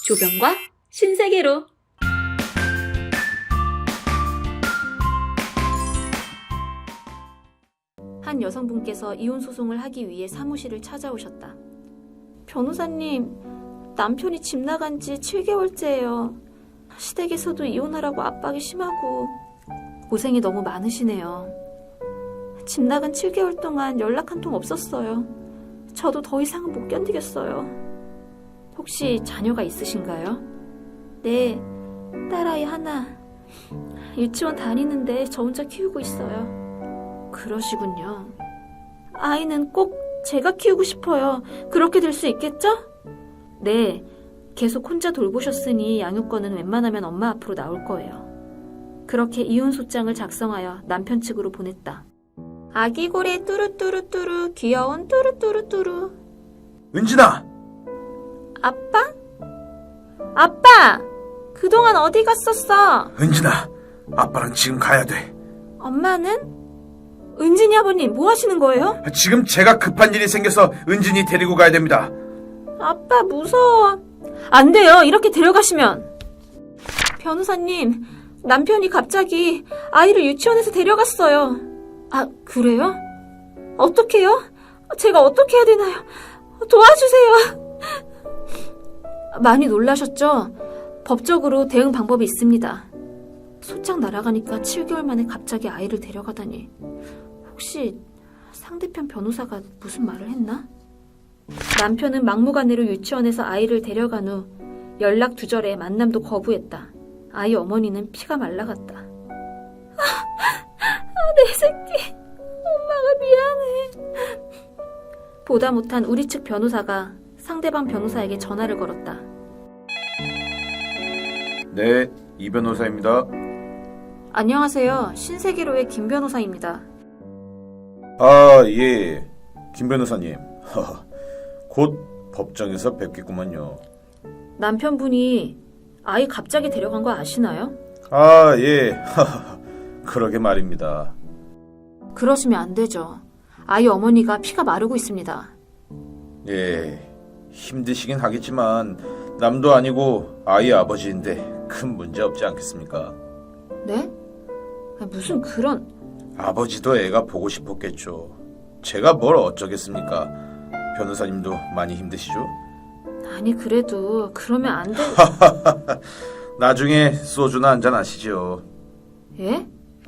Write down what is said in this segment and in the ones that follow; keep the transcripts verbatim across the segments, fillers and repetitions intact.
조병과 신세계로. 한 여성분께서 이혼 소송을 하기 위해 사무실을 찾아오셨다. 변호사님, 남편이 집 나간 지 칠 개월째예요. 시댁에서도 이혼하라고 압박이 심하고. 고생이 너무 많으시네요. 집 나간 칠 개월 동안 연락 한 통 없었어요. 저도 더 이상은 못 견디겠어요. 혹시 자녀가 있으신가요? 네, 딸아이 하나. 유치원 다니는데 저 혼자 키우고 있어요. 그러시군요. 아이는 꼭 제가 키우고 싶어요. 그렇게 될 수 있겠죠? 네, 계속 혼자 돌보셨으니 양육권은 웬만하면 엄마 앞으로 나올 거예요. 그렇게 이혼소장을 작성하여 남편 측으로 보냈다. 아기고래 뚜루뚜루뚜루, 귀여운 뚜루뚜루뚜루. 은진아! 아빠? 아빠! 그동안 어디 갔었어? 은진아, 아빠랑 지금 가야 돼. 엄마는? 은진이 아버님, 뭐 하시는 거예요? 지금 제가 급한 일이 생겨서 은진이 데리고 가야 됩니다. 아빠, 무서워. 안 돼요, 이렇게 데려가시면. 변호사님, 남편이 갑자기 아이를 유치원에서 데려갔어요. 아, 그래요? 어떡해요? 제가 어떻게 해야 되나요? 도와주세요. 많이 놀라셨죠? 법적으로 대응 방법이 있습니다. 소장 날아가니까 칠 개월 만에 갑자기 아이를 데려가다니. 혹시 상대편 변호사가 무슨 말을 했나? 남편은 막무가내로 유치원에서 아이를 데려간 후 연락 두절에 만남도 거부했다. 아이 어머니는 피가 말라갔다. 아, 아, 내 새끼. 엄마가 미안해. 보다 못한 우리 측 변호사가 상대방 변호사에게 전화를 걸었다. 네, 이 변호사입니다. 안녕하세요. 신세계로의 김 변호사입니다. 아, 예, 김 변호사님. 곧 법정에서 뵙겠구만요. 남편분이 아이 갑자기 데려간 거 아시나요? 아, 예, 그러게 말입니다. 그러시면 안 되죠. 아이 어머니가 피가 마르고 있습니다. 예, 힘드시긴 하겠지만 남도 아니고 아이 아버지인데 큰 문제 없지 않겠습니까? 네? 무슨 그런... 아버지도 애가 보고 싶었겠죠. 제가 뭘 어쩌겠습니까? 변호사님도 많이 힘드시죠? 아니 그래도 그러면 안 돼... 나중에 소주나 한잔 하시죠. 예?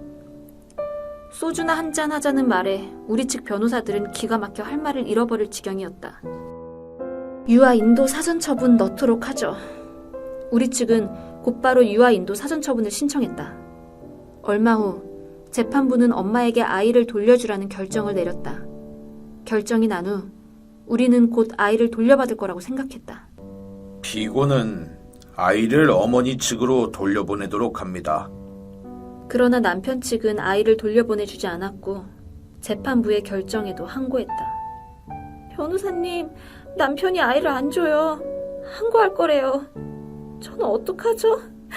소주나 한잔 하자는 말에 우리 측 변호사들은 기가 막혀 할 말을 잃어버릴 지경이었다. 유아 인도 사전 처분 넣도록 하죠. 우리 측은 곧바로 유아 인도 사전 처분을 신청했다. 얼마 후 재판부는 엄마에게 아이를 돌려주라는 결정을 내렸다. 결정이 난 후 우리는 곧 아이를 돌려받을 거라고 생각했다. 피고는 아이를 어머니 측으로 돌려보내도록 합니다. 그러나 남편 측은 아이를 돌려보내주지 않았고 재판부의 결정에도 항고했다. 변호사님, 남편이 아이를 안 줘요. 항고할 거래요. 저는 어떡하죠?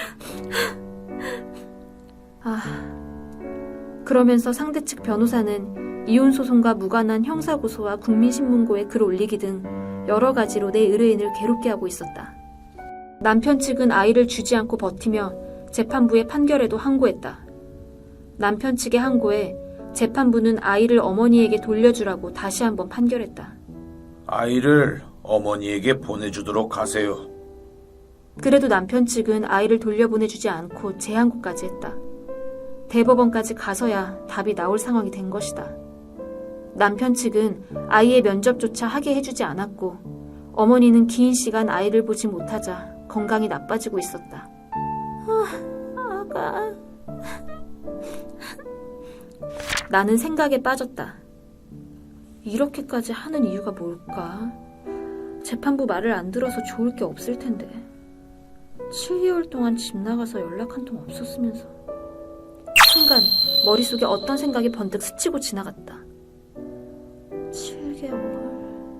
아, 그러면서 상대 측 변호사는 이혼소송과 무관한 형사고소와 국민신문고에 글 올리기 등 여러 가지로 내 의뢰인을 괴롭게 하고 있었다. 남편 측은 아이를 주지 않고 버티며 재판부의 판결에도 항고했다. 남편 측의 항고에 재판부는 아이를 어머니에게 돌려주라고 다시 한번 판결했다. 아이를 어머니에게 보내주도록 하세요. 그래도 남편 측은 아이를 돌려보내주지 않고 재항고까지 했다. 대법원까지 가서야 답이 나올 상황이 된 것이다. 남편 측은 아이의 면접조차 하게 해주지 않았고 어머니는 긴 시간 아이를 보지 못하자 건강이 나빠지고 있었다. 아, 아가... 나는 생각에 빠졌다. 이렇게까지 하는 이유가 뭘까? 재판부 말을 안 들어서 좋을 게 없을 텐데. 칠 개월 동안 집 나가서 연락 한 통 없었으면서. 순간 머릿속에 어떤 생각이 번뜩 스치고 지나갔다. 칠 개월...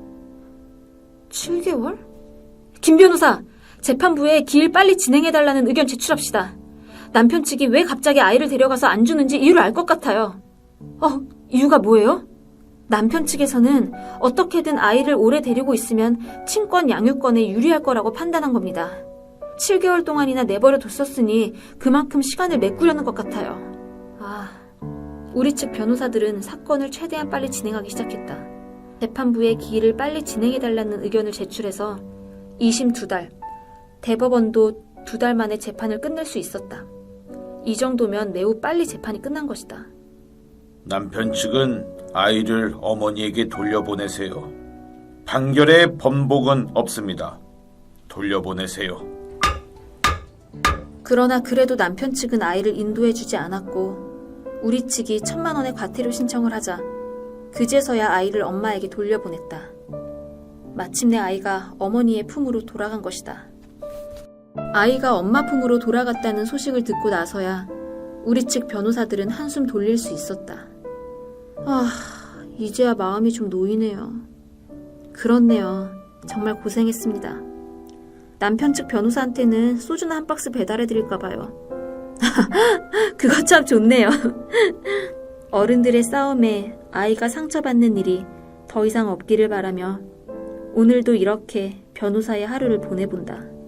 칠 개월? 김 변호사! 재판부에 기일 빨리 진행해달라는 의견 제출합시다. 남편 측이 왜 갑자기 아이를 데려가서 안 주는지 이유를 알 것 같아요. 어, 이유가 뭐예요? 남편 측에서는 어떻게든 아이를 오래 데리고 있으면 친권 양육권에 유리할 거라고 판단한 겁니다. 칠 개월 동안이나 내버려 뒀었으니 그만큼 시간을 메꾸려는 것 같아요. 아, 우리 측 변호사들은 사건을 최대한 빨리 진행하기 시작했다. 재판부에 기일을 빨리 진행해달라는 의견을 제출해서 이심 두 달, 대법원도 두 달 만에 재판을 끝낼 수 있었다. 이 정도면 매우 빨리 재판이 끝난 것이다. 남편 측은 아이를 어머니에게 돌려보내세요. 판결에 번복은 없습니다. 돌려보내세요. 그러나 그래도 남편 측은 아이를 인도해주지 않았고 우리 측이 천만 원의 과태료 신청을 하자 그제서야 아이를 엄마에게 돌려보냈다. 마침내 아이가 어머니의 품으로 돌아간 것이다. 아이가 엄마 품으로 돌아갔다는 소식을 듣고 나서야 우리 측 변호사들은 한숨 돌릴 수 있었다. 아, 이제야 마음이 좀 놓이네요. 그렇네요. 정말 고생했습니다. 남편 측 변호사한테는 소주나 한 박스 배달해드릴까봐요. 그거 참 좋네요. 어른들의 싸움에 아이가 상처받는 일이 더 이상 없기를 바라며 오늘도 이렇게 변호사의 하루를 보내본다.